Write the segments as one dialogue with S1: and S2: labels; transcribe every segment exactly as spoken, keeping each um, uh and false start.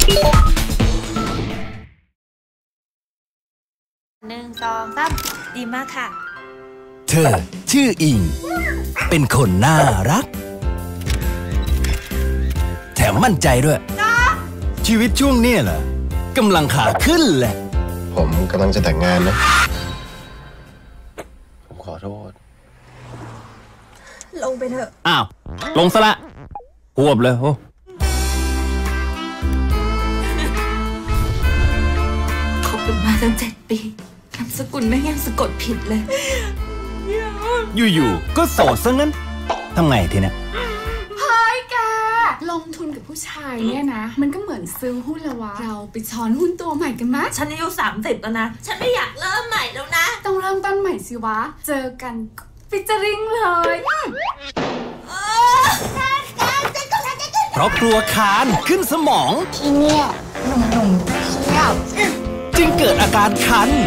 S1: หนึ่งสองสามดีมากค่ะ
S2: เธอชื่ออิงเป็นคนน่ารักแถมมั่นใจด้วยชีวิตช่วงนี้เหรอกำลังขาขึ้นแหละ
S3: ผมกำลังจะแต่งงานนะผมขอโทษ
S1: ลงไปเถอะ
S2: อ้าวลงซะละหวบเลยโอ้
S1: คบกันมาตั้งเจ็ดปีนามสกุลแม่งยังสะกดผิดเลย
S2: อยู่ๆก็โสดซะงั้นทำไงทีเนี้ย
S4: เฮ้ยแกลงทุนกับผู้ชายเนี่ยนะมันก็เหมือนซื้อหุ้นละวะเราไปช้อนหุ้นตัวใหม่กันมั้ย
S1: ฉันอายุสามสิบแล้วนะฉันไม่อยากเริ่มใหม่แล้วนะ
S4: ต้องเริ่มต้นใหม่สิวะเจอกันฟิชเจอริงเลย
S2: เพราะกลัวคานขึ้นสมอง
S4: ที่เนี่ยหนุ่มๆเที่ยว
S2: จึงเกิดอาการคัน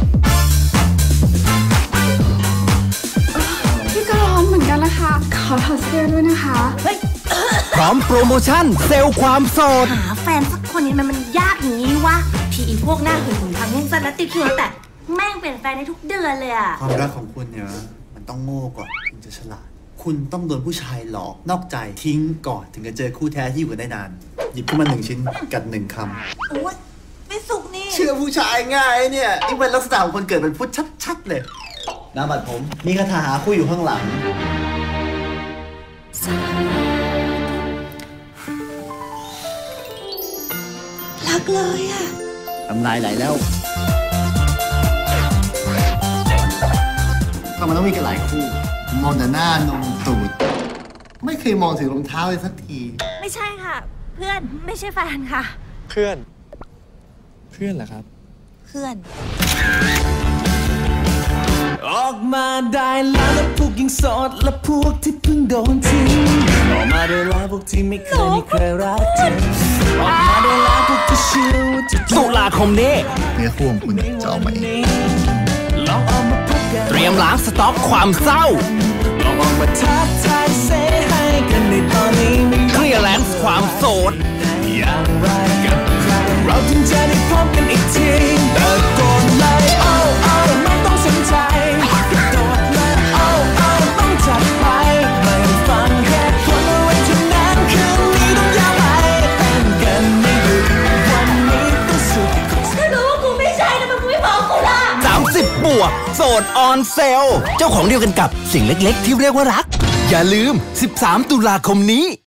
S4: พี่ก็ร้อนเหมือนกันนะคะขอถอดเสื้อด้วยนะคะ
S2: พร้อมโปรโมชั่นเซลล์ความโสด
S1: หาแฟนสักคนนี้มันมันยากอย่างนี้วะที่อีพวกหน้าหื่นหื่นทางแง่งสั้นและติดคิวแต่แม่งเปลี่ยนแฟนได้ทุกเดือนเลยอะ
S5: ความรักของคุณเนี่ยมันต้องโง่ก่อนถึงจะฉลาดคุณต้องโดนผู้ชายหลอกนอกใจทิ้งก่อนถึงจะเจอคู่แท้ที่อยู่กันได้นานหยิบขึ้นมาหนึ่งชิ้นกัดหนึ่งคำ
S1: โอ้ยไม่สุกนี่
S5: เชื่อผู้ชายง่ายเนี่ยนี่เป็นลักษณะของคนเกิดเป็นพุทธชัดๆเลยน้ำบัดผมมีคาถาหาคู่อยู่ข้างหลัง
S1: รักเลยอะ
S5: ทำลายไหลแล้วก็มันต้องมีกันหลายคู่มองแต่หน้านมตูดไม่เคยมองถึงรองเท้าเลยสักที
S1: ไม่ใช่ค่ะเพื่อนไม่ใช่แฟนค่ะ
S3: เพื่อนเพื่อนเหรอครับ
S1: เพื่อน
S2: ออกมาได้แล้วแล้วพวกยังโสดและพวกที่เพิ่งโดนทิ้งออกมาได้แล้วพวกที่ไม่เคยมีใครรักจริงออกมาได้แล้วพวกที่เชื่อว่าจะตุลาคมนี้
S5: เนื้อคู่ของคุณจะออกมาเอง
S2: เตรียมล้างสต็อกความเศร้าลองออกมาทักทายเซให้กันในตอนนี้เคลียร์แลนซ์ความโสดอย่างไรกับใครเราถึงจะได้พบกันอีกทีตะโกนเลยโอ้โอ้ไม่ต้องสนใจกระโดดเลยโอ้โอ้ต้องจัดไปไม่ฟังแค่คนเอาไว้เท่านั้นคืนนี้ต้องยาวไปเต้นกันไม่หยุดวันนี้ต้องสุด
S1: ถ้ารู้ว่ากูไม่ใช่นะมันกูไม่บอกกูล่ะ
S2: สามสิบบวกโสดออนเซลเจ้าของเดียวกันกับสิ่งเล็กๆที่เรียกว่ารักอย่าลืมสิบสามตุลาคมนี้